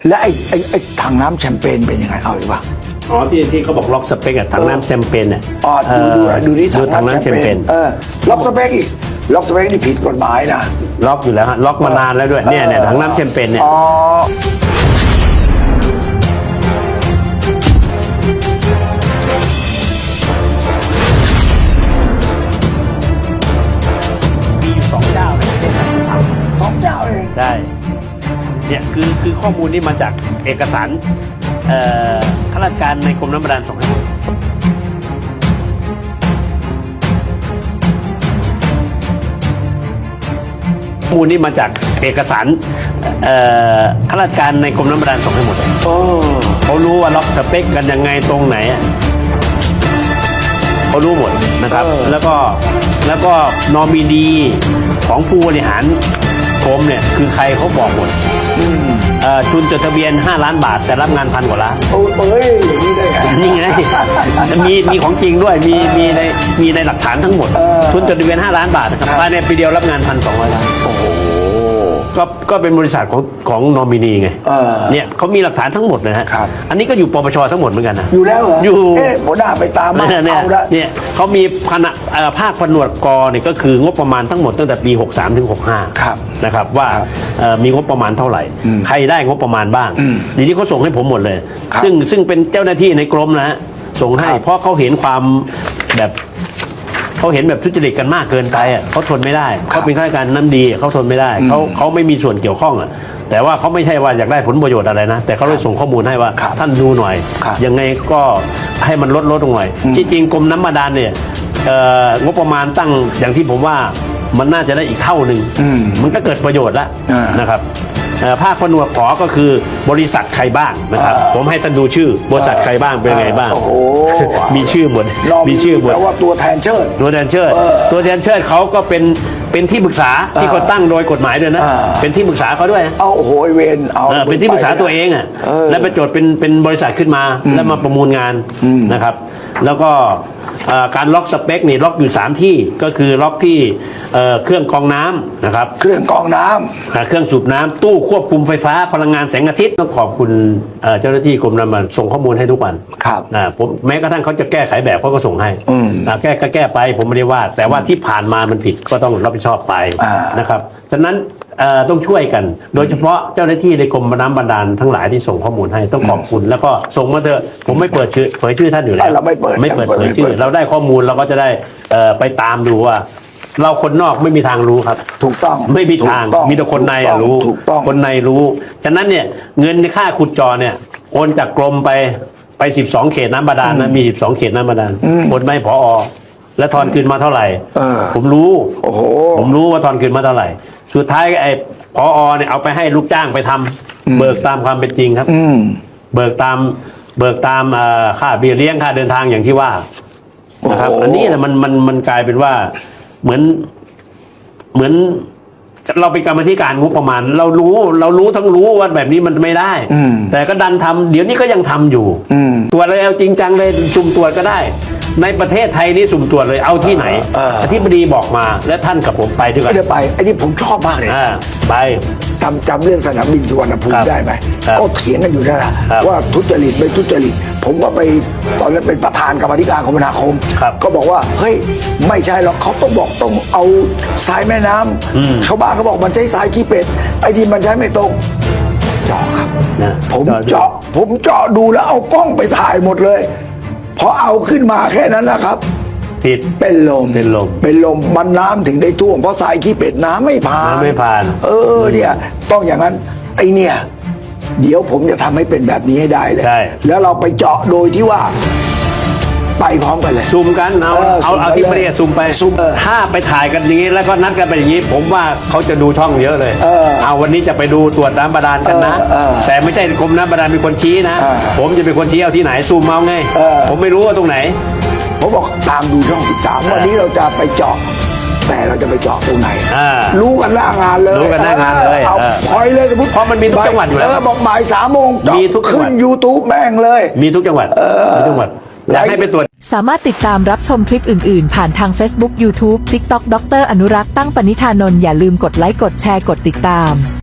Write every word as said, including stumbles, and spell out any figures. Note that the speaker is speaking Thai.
และไอ้ไอ้ไอ้ถังน้ำแชมเปญเป็นยังไงเอาอีกป่ะอ๋อที่ที่เขาบอกล็อกสเปกอะถังน้ำแชมเปญเนี่ยอ๋อดูดูดูนี่ถังน้ำแชมเปญเออล็อกสเปกอีกล็อกสเปกนี่ผิดกฎหมายนะล็อกอยู่แล้วฮะล็อกมานานแล้วด้วยเนี่ยเนี่ยถังน้ำแชมเปญเนี่ยมีอยู่สองเจ้าสองเจ้าเองใช่เนี่ยคือคือข้อมูลนี่มาจากเอกสารข้าราชการในกรมน้ำบาดาลส่งให้ข้อมูลนี่มาจากเอกสารข้าราชการในกรมน้ำบาดาลส่งให้หมดเลยเขารู้ว่าล็อกสเปคกันยังไงตรงไหนเขารู้หมดนะครับแล้วก็แล้วก็นอมินีของผู้บริหารกรมเนี่ยคือใครเขาบอกหมดทุนจดทะเบียนห้าล้านบาทแต่รับงานพันกว่าล้านโอ้ยอย่างนี้ได้ไงนี่ไงมีมีของจริงด้วยมีมีในมีในหลักฐานทั้งหมดทุนจดทะเบียนห้าล้านบาทนะครับภายในปีเดียวรับงานพันสองร้อยล้านโอ้โหก็ก็เป็นบริษัทของของนอมินีไงเนี่ยเขามีหลักฐานทั้งหมดนะฮะอันนี้ก็อยู่ปปชทั้งหมดเหมือนกันนะอยู่แล้วเหรออยู่เอ๊ะผมน่าไปตามมาเอาละเนี่ยเขามีคณะภาคผนวกกเนี่ยก็คืองบประมาณทั้งหมดตั้งแต่ปีหกสามถึงหกห้านะครับว่ามีงบประมาณเท่าไหร่ใครได้งบประมาณบ้างทีนี้เขาส่งให้ผมหมดเลยซึ่งซึ่งเป็นเจ้าหน้าที่ในกรมนะฮะส่งให้เพราะเขาเห็นความแบบเขาเห็นแบบทุจริตกันมากเกินไปอ่ะเขาทนไม่ได้เขาเป็นข้าราชการน้ำดีเขาทนไม่ได้เขาเขาไม่มีส่วนเกี่ยวข้องอ่ะแต่ว่าเขาไม่ใช่ว่าอยากได้ผลประโยชน์อะไรนะแต่เขาเลยส่งข้อมูลให้ว่าท่านดูหน่อยยังไงก็ให้มันลดลดลงหน่อยที่จริงกรมน้ำบาดาลเนี่ยงบประมาณตั้งอย่างที่ผมว่ามันน่าจะได้อีกเท่าหนึ่งมันก็เกิดประโยชน์แล้วนะครับภาคผนวกขอก็คือบริษัทใครบ้างนะครับผมให้ท่านดูชื่อบริษัทใครบ้างเป็นไงบ้างมีชื่อหมดมีชื่อหมดแปลว่าตัวแทนเชิดตัวแทนเชิดตัวแทนเชิดเขาก็เป็นเป็นที่ปรึกษาที่เขาตั้งโดยกฎหมายด้วยนะเป็นที่ปรึกษาเขาด้วยเอาโอ้โหเวนเอาเป็นที่ปรึกษาตัวเองอ่ะแล้วไปจดเป็นเป็นบริษัทขึ้นมาแล้วมาประมูลงานนะครับแล้วก็การล็อกสเปคนี่ล็อกอยู่สามที่ก็คือล็อกที่เครื่องกรองน้ำนะครับเครื่องกรองน้ำเครื่องสูบน้ำตู้ควบคุมไฟฟ้าพลังงานแสงอาทิตย์ต้องขอบคุณเจ้าหน้าที่กรมน้ำมันส่งข้อมูลให้ทุกวันครับนะผมแม้กระทั่งเขาจะแก้ไขแบบเขาก็ส่งให้แก้ก็แก้ไปผมไม่ได้ว่าแต่ว่าที่ผ่านมามันผิดก็ต้องรับผิดชอบไปนะครับฉะนั้นต้องช่วยกันโดยเฉพาะเจ้าหน้าที่ในกรมน้ำบาดาลทั้งหลายที่ส่งข้อมูลให้ต้องขอบคุณแล้วก็ส่งมาเถอะผมไม่เปิดชื่อเผยชื่อท่านอยู่แล้วเราไม่เปิดไม่เปิดเผยชื่อเราได้ข้อมูลเราก็จะได้ไปตามดูว่าเราคนนอกไม่มีทางรู้ครับถูกต้องไม่มีทางมีแต่คนในรู้คนในรู้ฉะนั้นเนี่ยเงินในค่าขุดเจาะเนี่ยโอนจากกรมไปไปสิบสองเขตน้ำบาดาลนะมีสิบสองเขตน้ำบาดาลโอนไม่ผอและทอนคืนมาเท่าไหร่ผมรู้ผมรู้ว่าทอนคืนมาเท่าไหร่สุดท้ายไอ้ผอเนี่ยเอาไปให้ลูกจ้างไปทำเบิกตามความเป็นจริงครับเบิกตามเบิกตามค่าเบี้ยเลี้ยงค่าเดินทางอย่างที่ว่านะครับอันนี้นะมันมันมันกลายเป็นว่าเหมือนเหมือนเราเป็นกรรมธิการงบประมาณเรารู้เรารู้ทั้งรู้ว่าแบบนี้มันไม่ได้แต่ก็ดันทำเดี๋ยวนี้ก็ยังทำอยู่ตรวจเลยเอาจริงจังเลยสุ่มตรวจก็ได้ในประเทศไทยนี่สุ่มตรวจเลยเอาที่ไหนอธิบดีบอกมาและท่านกับผมไปด้วยกันไม่ได้ไปไอ้นี่ผมชอบมากเลยไปจำจำเรื่องสนามบินสุวรรณภูมิได้ไหมก็เถียงกันอยู่นั่นแหละว่าทุจริตไม่ทุจริตผมก็ไปตอนนั้นเป็นประธานกรรมธิการคมนาคมก็บอกว่าเฮ้ยไม่ใช่หรอกเขาต้องบอกต้องเอาทรายแม่น้ำชาวบ้านเขาบอกมันใช้ทรายขี้เป็ดไอ้นี่มันใช้ไม่ตรงเจาะครับผมเจาะผมเจาะดูแล้วเอากล้องไปถ่ายหมดเลยพอเอาขึ้นมาแค่นั้นนะครับผิดเป็นลมเป็นลมเป็นลมมันน้ำถึงได้ท่วมเพราะทรายขี้เป็ดน้ำไม่ผ่านไม่ผ่านเออเนี่ยต้องอย่างนั้นไอเนี่ยเดี๋ยวผมจะทำให้เป็นแบบนี้ให้ได้เลยแล้วเราไปเจาะโดยที่ว่าไปพร้อมกันเลยซูมกันเอาเอาเอาที่ประเทศซูมไปถ้าไปถ่ายกันอย่างนี้แล้วก็นัดกันไปอย่างนี้ผมว่าเขาจะดูช่องเยอะเลยเอาวันนี้จะไปดูตรวจน้ำบาดาลกันนะแต่ไม่ใช่กรมน้ำบาดาลเป็นคนชี้นะผมจะเป็นคนชี้เอาที่ไหนซูมเอาไงผมไม่รู้ว่าตรงไหนผมบอกตามดูช่องสิบสามวันนี้เราจะไปเจาะแต่เราจะไปเจาะตรงไหนรู้กันหน้างานเลยรู้กันหน้างานเลยเอาพอยเลยสมมติเพราะมันมีทุกจังหวัดอยู่แล้วบอกบ่ายสามโมงมีทุกขึ้น ยูทูบ แม่งเลยมีทุกจังหวัดมีทุกจังหวัดอยากให้ไปตรวจสามารถติดตามรับชมคลิปอื่นๆผ่านทาง Facebook YouTube TikTok ดรอนุรักษ์ตั้งปณิธานนท์อย่าลืมกดไลค์กดแชร์กดติดตาม